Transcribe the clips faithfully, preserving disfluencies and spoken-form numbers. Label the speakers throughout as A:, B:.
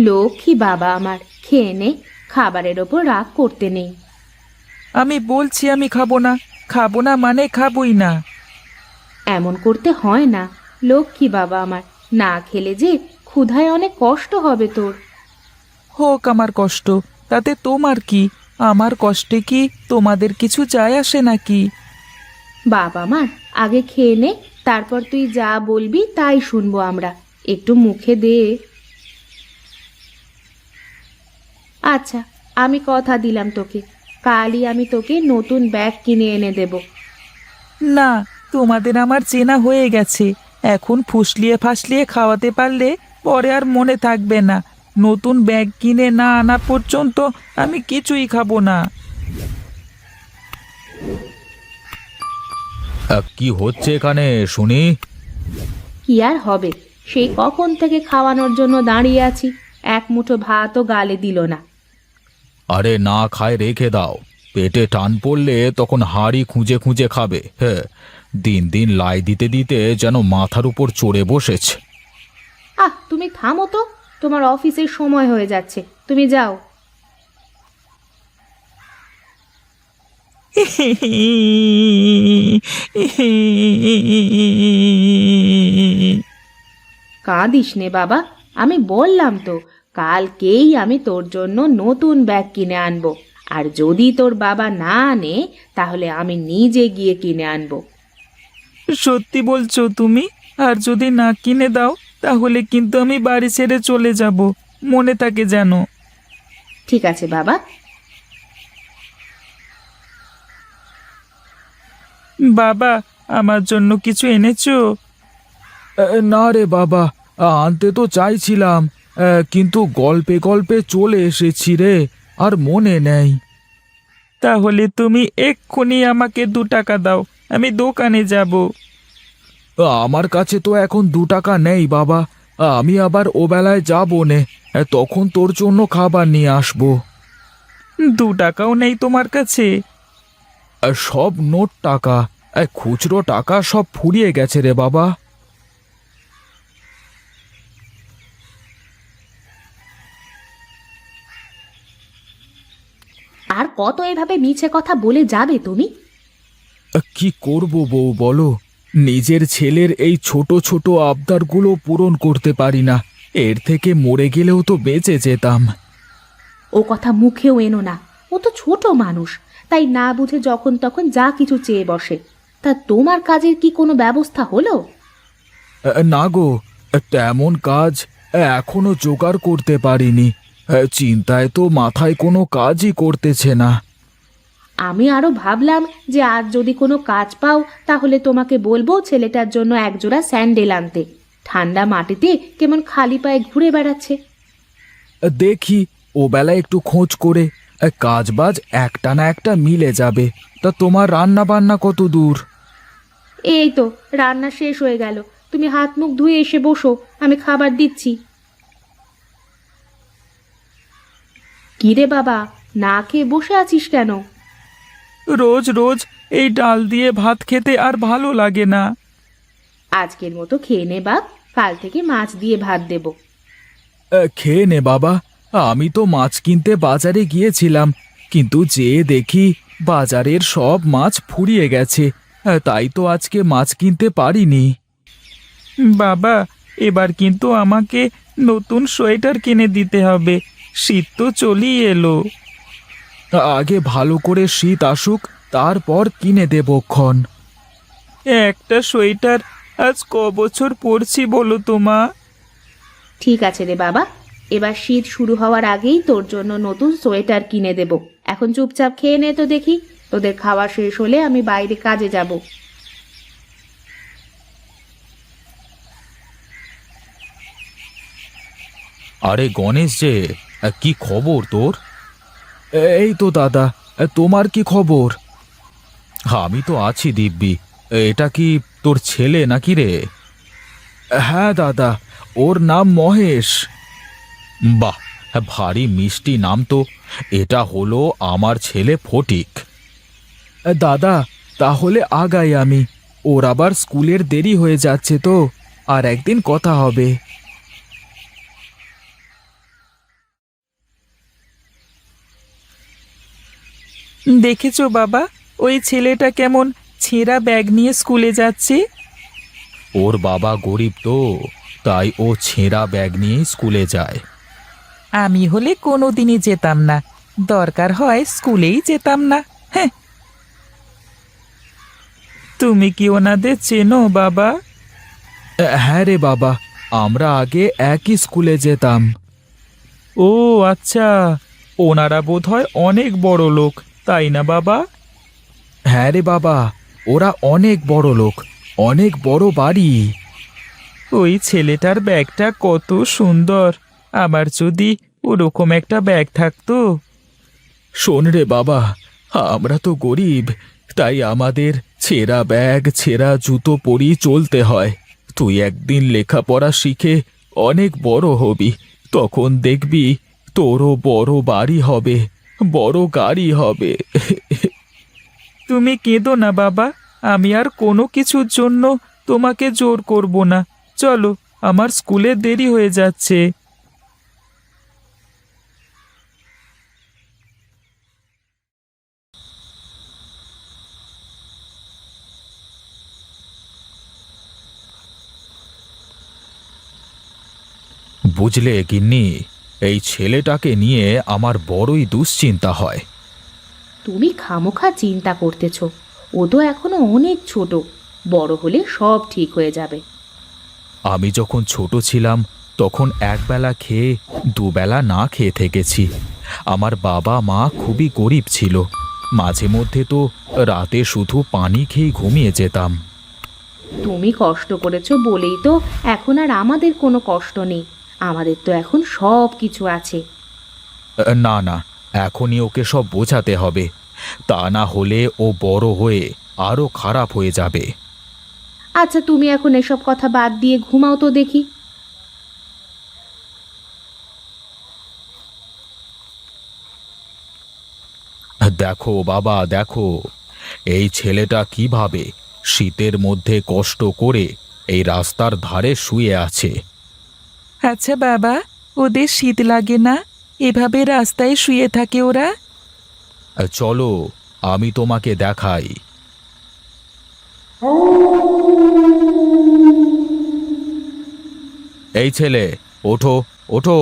A: লক্ষ্মী বাবা আমার, খেয়ে নে, খাবারের ওপর রাগ করতে নেই।
B: আমি বলছি আমি খাবো না, খাবো না মানে খাবোই না।
A: এমন করতে হয় না লক্ষ্মী বাবা আমার, না খেলে যে ক্ষুধায় অনেক কষ্ট হবে তোর।
B: হোক আমার কষ্ট, তাতে তোমার কি? আমার কষ্টে কি তোমাদের কিছু যায় আসে নাকি?
A: বাবা আমার, আগে খেয়ে নে, তারপর তুই যা বলবি তাই শুনবো আমরা। একটু মুখে দে। আচ্ছা, আমি কথা দিলাম তোকে, কালই আমি তোকে নতুন ব্যাগ কিনে এনে দেব।
B: না, তোমাদের আমার চেনা হয়ে গেছে। এখন ফুসলিয়ে ফাসলিয়ে খাওয়াতে পারলে পরে আর মনে থাকবে না। নতুন ব্যাগ কিনে না আনা পর্যন্ত আমি কিছুই খাবো না। কি হচ্ছে এখানে শুনি?
A: কি আর হবে, সেই কখন থেকে খাওয়ানোর জন্য দাঁড়িয়ে আছি, এক মুঠো ভাতও গালে দিল না।
B: আরে না খায় রেখে দাও, পেটে টান পড়লে তখন হাঁড়ি খুঁজে খুঁজে খাবে। হ্যাঁ, দিন দিন লাই দিতে দিতে যেন মাথার উপর চড়ে বসেছে।
A: আহ, তুমি থামো তো, তোমার অফিসের সময় হয়ে যাচ্ছে, তুমি যাও। কাঁদিস নে বাবা, আমি বললাম তো কালকেই আমি তোর জন্য নতুন ব্যাগ কিনে আনবো। আর যদি তোর বাবা না আনে তাহলে আমি নিজে গিয়ে কিনে আনবো।
B: সত্যি বলছো তুমি? আর যদি না কিনে দাও তাহলে কিন্তু আমি বাড়ি ছেড়ে চলে যাব, মনে থাকে যেন।
A: ঠিক আছে বাবা।
B: বাবা, আমার জন্য কিছু এনেছো? না রে বাবা, আনতে তো চাইছিলাম, কিন্তু গল্পে গল্পে চলে এসেছি রে, আর মনে নেই। তাহলে তুমি এক্ষুনি আমাকে দু টাকা দাও, আমি দোকানে যাব। আমার কাছে তো এখন দু টাকা নেই বাবা, আমি আবার ও বেলায় যাবো নে, তখন তোর জন্য খাবার নিয়ে আসবো। দু টাকাও নেই তোমার কাছে? সব নোট টাকা, খুচরো টাকা সব ফুরিয়ে গেছে রে বাবা।
A: আর কত এভাবে মিছে কথা বলে যাবে তুমি?
B: কি করব বউ বলো, নিজের ছেলের এই ছোট ছোট আবদারগুলো পূরণ করতে পারি না, এর থেকে মরে গেলেও তো বেঁচে যেতাম।
A: ও কথা মুখেও এনো না, ও তো ছোট মানুষ, তাই না বুঝে যখন তখন যা কিছু চেয়ে বসে। তা তোমার কাজের কি কোনো ব্যবস্থা হলো?
B: না গো, তেমন কাজ এখনো জোগাড় করতে পারিনি, চিন্তায় তো মাথায় কোনো কাজই করতেছে না।
A: আমি আরো ভাবলাম যে আজ যদি কোনো কাজ পাও তাহলে তোমাকে বলবো ছেলেটার জন্য একজোড়া স্যান্ডেল আনতে। ঠান্ডা মাটিতে কেমন খালি পায়ে ঘুরে বেড়াচ্ছে।
B: দেখি ও বেলা একটু খোঁজ করে, কাজ বাজ একটা না একটা মিলে যাবে। তা তোমার রান্না বান্না কত দূর?
A: এই তো রান্না শেষ হয়ে গেল, তুমি হাত মুখ ধুয়ে এসে বসো, আমি খাবার দিচ্ছি। কিরে বাবা, না খেয়ে বসে আছিস কেন?
B: রোজ রোজ এই ডাল দিয়ে ভাত খেতে আর ভালো লাগে না।
A: আজকের মতো খেয়ে নে বাপ, কাল থেকে মাছ দিয়ে ভাত দেব।
B: খেয়ে নে বাবা, আমি তো মাছ কিনতে বাজারে গিয়েছিলাম, কিন্তু যেয়ে দেখি বাজারের সব মাছ ফুরিয়ে গেছে, তাই তো আজকে মাছ কিনতে পারিনি। বাবা, এবার কিন্তু আমাকে নতুন সোয়েটার কিনে দিতে হবে, শীত তো চলেই এলো। আগে ভালো করে শীত আসুক, তারপর কিনে দেবক্ষণ। একটা সোয়েটার আজ ক বছর পরছি বলো তো মা?
A: ঠিক আছে রে বাবা, এবার শীত শুরু হওয়ার আগেই তোর জন্য নতুন সোয়েটার কিনে দেব। এখন চুপচাপ খেয়ে নে তো দেখি, তোদের খাওয়া শেষ হলে আমি বাইরে কাজে যাব।
B: আরে গণেশ যে, কি খবর তোর? এই তো দাদা, তোমার কি খবর? আমি তো আছি দিব্যি। এটা কি তোর ছেলে নাকি রে? হ্যাঁ দাদা, ওর নাম মহেশ। বাহ, ভারী মিষ্টি নাম তো। এটা হলো আমার ছেলে ফটিক। দাদা, তাহলে আগাই আমি, ওর আবার স্কুলের দেরি হয়ে যাচ্ছে তো, আর একদিন কথা হবে। দেখেছো বাবা, ওই ছেলেটা কেমন ছেঁড়া ব্যাগ নিয়ে স্কুলে যাচ্ছে। ওর বাবা গরিব তো, তাই ও ছেঁড়া ব্যাগ নিয়ে স্কুলে যায়। আমি হলে কোনোদিনই যেতাম না, দরকার হয় স্কুলেই যেতাম না। হ্যাঁ। তুমি কি ওনাদের চেনো বাবা? হ্যাঁ রে বাবা, আমরা আগে একই স্কুলে যেতাম। ও আচ্ছা, ওনারা বোধহয় অনেক বড় লোক, তাই না বাবা? হ্যাঁ রে বাবা, ওরা অনেক বড় লোক, অনেক বড় বাড়ি। ওই ছেলেটার ব্যাগটা কত সুন্দর, আমার যদি ওরকম একটা ব্যাগ থাকতো। শোন রে বাবা, আমরা তো গরিব, তাই আমাদের ছেঁড়া ব্যাগ ছেঁড়া জুতো পরেই চলতে হয়। তুই একদিন লেখাপড়া শিখে অনেক বড় হবি, তখন দেখবি তোরও বড় বাড়ি হবে, বড় গাড়ি হবে। তুমি কেঁদো না বাবা, আমি আর কোনো কিছুর জন্য তোমাকে জোর করব না। চলো, আমার স্কুলে দেরি হয়ে যাচ্ছে। বুঝলে গিন্নি, এই ছেলেটাকে নিয়ে আমার বড়ই দুশ্চিন্তা হয়।
A: তুমি খামোখা চিন্তা করতেছ, ও তো এখনো অনেক ছোট, বড় হলে সব ঠিক হয়ে যাবে।
B: আমি যখন ছোট ছিলাম তখন একবেলা খেয়ে দুবেলা না খেয়ে থেকেছি। আমার বাবা মা খুবই গরিব ছিল, মাঝে মধ্যে তো রাতে শুধু পানি খেয়ে ঘুমিয়ে যেতাম।
A: তুমি কষ্ট করেছো বলেই তো এখন আর আমাদের কোনো কষ্ট নেই, আমাদের তো এখন সব কিছু আছে।
B: না না, এখনই ওকে সব বোঝাতে হবে, তা না হলে ও বড় হয়ে আরো খারাপ হয়ে যাবে।
A: আচ্ছা, তুমি এখন এসব কথা বাদ দিয়ে ঘুমাও তো দেখি।
B: দেখো বাবা, দেখো এই ছেলেটা কিভাবে শীতের মধ্যে কষ্ট করে এই রাস্তার ধারে শুয়ে আছে। আচ্ছা বাবা, ওদের শীত লাগে না? এভাবে রাস্তায় শুয়ে থাকে ওরা? চলো, আমি তোমাকে দেখাই। এই ছেলে, ওঠো ওঠো।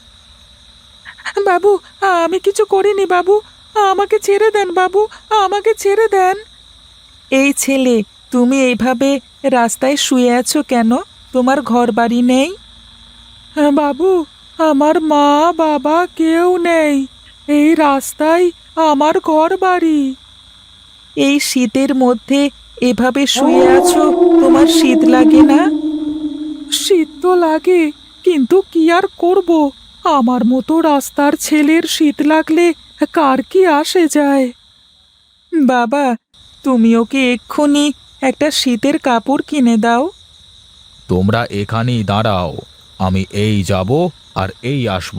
B: বাবু, আমি কিছু করিনি বাবু, আমাকে ছেড়ে দেন বাবু, আমাকে ছেড়ে দেন। এই ছেলে, তুমি এইভাবে রাস্তায় শুয়ে আছো কেন? তোমার ঘর বাড়ি নেই? বাবু, আমার মা বাবা কেউ নেই, এই রাস্তায় আমার ঘর বাড়ি। এই শীতের মধ্যে এভাবে শুয়ে আছো, তোমার শীত লাগে না? শীত তো লাগে, কিন্তু কি আর করব, আমার মতো রাস্তার ছেলের শীত লাগলে কার কি আসে যায়। বাবা, তুমি ওকে এক্ষুনি একটা শীতের কাপড় কিনে দাও। তোমরা এখানেই দাঁড়াও, আমি এই যাব আর এই আসব।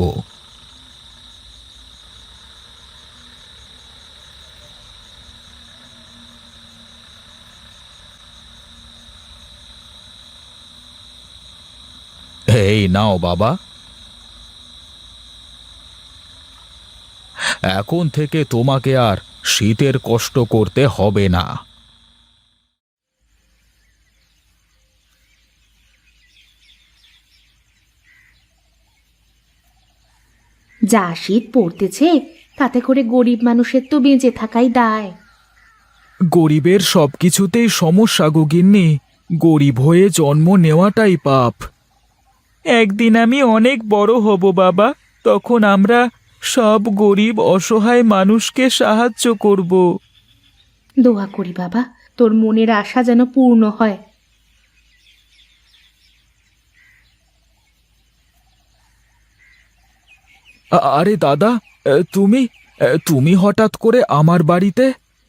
B: এই নাও বাবা, এখন থেকে তোমাকে আর শীতের কষ্ট করতে হবে না।
A: যা শীত পড়তেছে, তাতে করে গরিব মানুষের তো বেঁচে থাকাই দায়।
B: গরিবের সবকিছুতেই সমস্যা গো গিন্নি, গরিব হয়ে জন্ম নেওয়াটাই পাপ। একদিন আমি অনেক বড় হব বাবা, তখন আমরা সব গরিব অসহায় মানুষকে সাহায্য করব।
A: দোয়া করি বাবা, তোর মনের আশা যেন পূর্ণ হয়।
B: আ- আরে দাদা, এ, তুমি এ, তুমি হঠাৎ করে আমার বাড়িতে?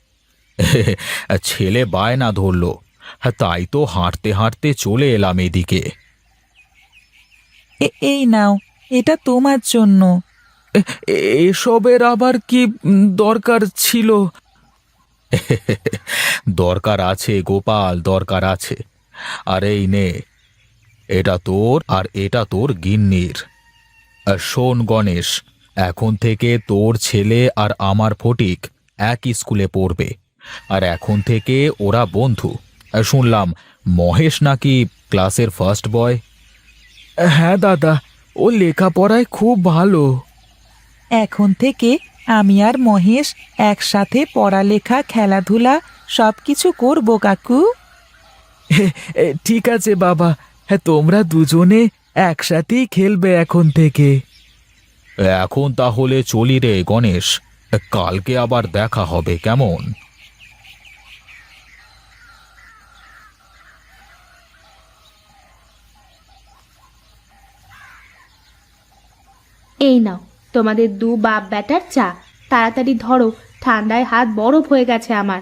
B: ছেলে বায়না ধরলো, তাই তো হাঁটতে হাঁটতে চলে এলাম এদিকে। এই নাও, এটা তোমার জন্য। এসবের আবার কি উম, দরকার ছিল? দরকার আছে গোপাল, দরকার আছে। আর এই নে, এটা তোর আর এটা তোর গিন্নির। আর শোন গণেশ, এখন থেকে তোর ছেলে আর আমার ফটিক একই স্কুলে পড়বে। আর এখন থেকে ওরা বন্ধু। আর শুনলাম মহেশ নাকি ক্লাসের ফার্স্ট বয়। হ্যাঁ দাদা, ও লেখাপড়ায় খুব ভালো।
C: এখন থেকে আমি আর মহেশ একসাথে পড়ালেখা খেলাধুলা সব কিছু করবো কাকু।
B: এ, ঠিক আছে বাবা, হ্যাঁ তোমরা দুজনে একসাথেই খেলবে এখন থেকে। এখন তাহলে চলি রে গণেশ, কালকে আবার দেখা হবে কেমন?
A: এই নাও তোমাদের দু বাপ বেটার চা, তাড়াতাড়ি ধরো, ঠান্ডায় হাত বরফ হয়ে গেছে আমার।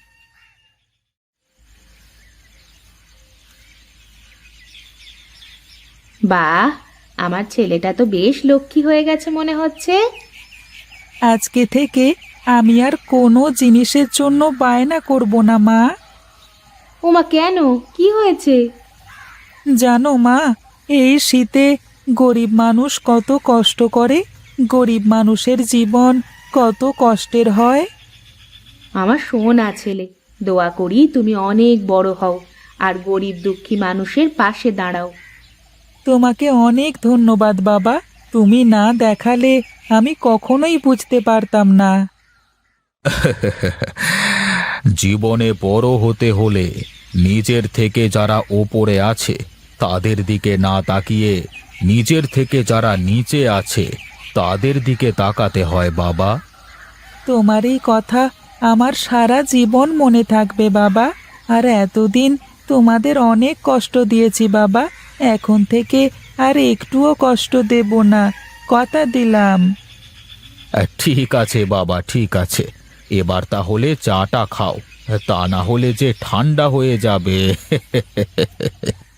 A: বাহ, আমার ছেলেটা তো বেশ লক্ষ্মী হয়ে গেছে মনে হচ্ছে।
C: আজকে থেকে আমি আর কোনো জিনিসের জন্য বায়না করব না মা।
A: ওমা, কেন, কি হয়েছে?
C: জানো মা, এই শীতে গরিব মানুষ কত কষ্ট করে, গরিব মানুষের জীবন কত কষ্টের হয়।
A: আমার সোনা ছেলে, দোয়া করি তুমি অনেক বড় হও আর গরিব দুঃখী মানুষের পাশে দাঁড়াও।
C: তোমাকে অনেক ধন্যবাদ বাবা, তুমি না দেখালে আমি কখনোই বুঝতে পারতাম না।
B: জীবনে বড় হতে হলে নিজের থেকে যারা ওপরে আছে তাদের দিকে না তাকিয়ে নিজের থেকে যারা নিচে আছে তাদের দিকে তাকাতে হয় বাবা।
C: তোমার এই কথা আমার সারা জীবন মনে থাকবে বাবা। আর এতদিন তোমাদের অনেক কষ্ট দিয়েছি বাবা, এখন থেকে আর একটুও কষ্ট দেব না, কথা দিলাম।
B: আহ, ঠিক আছে বাবা, ঠিক আছে। এবার তাহলে চাটা খাও, তা না হলে যে ঠান্ডা হয়ে যাবে।